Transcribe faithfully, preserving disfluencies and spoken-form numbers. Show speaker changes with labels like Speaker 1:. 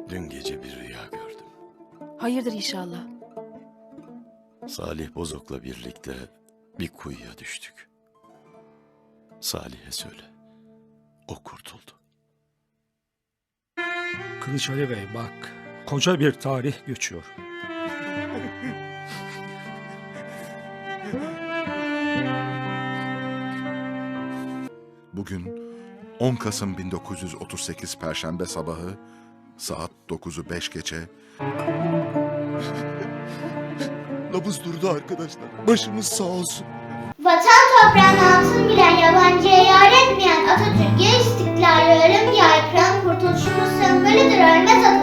Speaker 1: Dün gece bir rüya gördüm.
Speaker 2: Hayırdır inşallah.
Speaker 1: Salih Bozok'la birlikte bir kuyuya düştük. Salih'e söyle. O kurtuldu.
Speaker 3: Kılıç Ali Bey bak, koca bir tarih geçiyor.
Speaker 4: Bugün on Kasım bin dokuz yüz otuz sekiz Perşembe sabahı saat dokuzu beş geçe. Nabız durdu arkadaşlar. Başımız sağ olsun.
Speaker 5: Vatan toprağını altın bilen, yabancıya yar etmeyen Atatürk'e istiklal, ölüm yaykıran kurtuluşumuz sembolüdür, ölmez Atatürk.